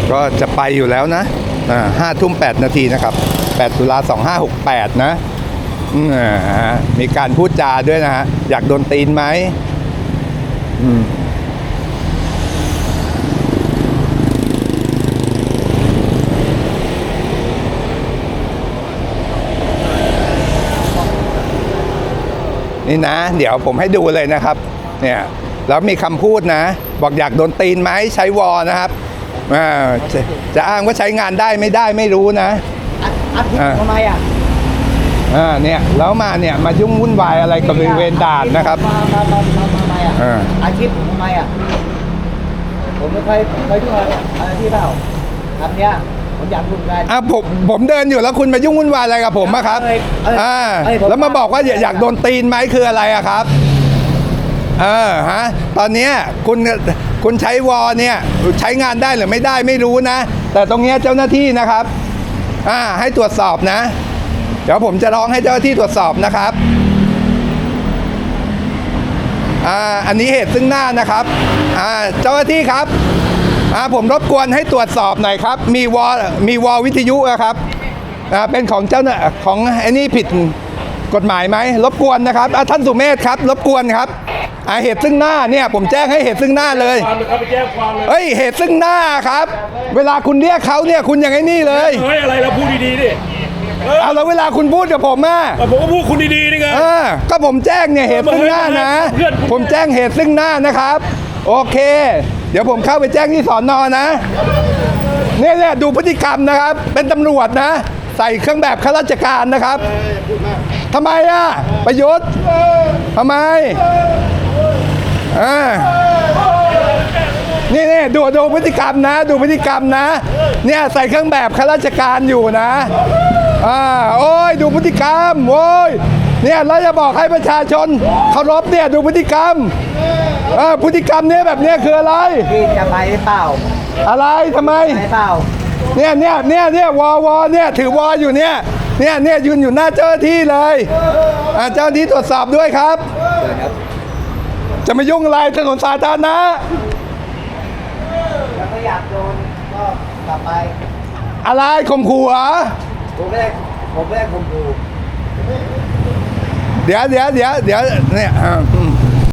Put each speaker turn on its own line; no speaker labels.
ก็จะไปอยู่แล้วนะ5:08 นาทีนะครับ8 ตุลา 2568นะมีการพูดจาด้วยนะฮะอยากโดนตีนไหมนี่นะเดี๋ยวผมให้ดูเลยนะครับเนี่ยแล้วมีคำพูดนะบอกอยากโดนตีนไหมใช้วอนะครับจะอ้างว่าใช้งานได้ไม่ได้ไม่รู้นะ
ทำไม
เนี่ยแล้วมาเนี่ยมายุ่งวุ่นวายอะไรกับบริเวณด่านนะครับ
ทำไมอาชีพผมทำไมผมไม่เคยยุ่งอะไรที่เปล่าทำเนี้ยผมอยากยุ่งกัน
ผมเดินอยู่แล้วคุณมายุ่งวุ่นวายอะไรกับผมครับแล้วมาบอกว่าอยากโดนตีนไหมคืออะไรครับตอนนี้คุณใช้วอเนี่ยใช้งานได้หรือไม่ได้ไม่รู้นะแต่ตรงนี้เจ้าหน้าที่นะครับให้ตรวจสอบนะเดี๋ยวผมจะร้องให้เจ้าหน้าที่ตรวจสอบนะครับอันนี้เหตุซึ่งหน้านะครับเจ้าหน้าที่ครับผมรบกวนให้ตรวจสอบหน่อยครับมีวอวิทยุครับเป็นของเจ้าหน้าของไอ้นี่ผิดกฎหมายไหมรบกวนนะครับท่านสุเมธครับรบกวนครับเหตุซึ่งหน้าเนี่ยผมแจ้งให้เหตุซึ่งหน้าเลยเฮ้ยเหตุซึ่งหน้าครับเวลาคุณเรียกเขาเนี่ยคุณอย่างไอ้นี่เลย
เฮ้ยอะไรเราพูดดีๆดิ
เอาแล้วเวลาคุณพูดกับผม
ผมก็พูดคุณดีๆนี่ไง
ก็ผมแจ้งเนี่ยเหตุซึ่งหน้านะผมแจ้งเหตุซึ่งหน้านะครับโอเคเดี๋ยวผมเข้าไปแจ้งที่สน.นะเนี่ยดูพฤติกรรมนะครับเป็นตำรวจนะใส่เครื่องแบบข้าราชการนะครับทำไมประยุทธ์ทำไมนี่ดูพฤติกรรมนะดูพฤติกรรมนะเนี่ยใส่เครื่องแบบข้าราชการอยู่นะโอ้ยดูพฤติกรรมโอ้ยเนี่ยเราจะบอกให้ประชาชนเคารพเนี่ยดูพฤติกรรมพฤติกรรมเนี่ยแบบเนี้ยคืออะไร
พี่จะไปเปล่า
อะไรทำไม
ไปเปล่า
เนี่ยวอเนี่ยถือวออยู่เนี่ยยืนอยู่หน้าเจ้าหน้าที่เลยเจ้าหน้าที่ตรวจสอบด้วยครับจะมายุ่งอะไรถนนสาธารณะ
แล้วก็อยากโดนก็กลับไป
อะไรข่มขู่
ผมไม่ได้ข่มขู่
เดี๋ยวเนี่ย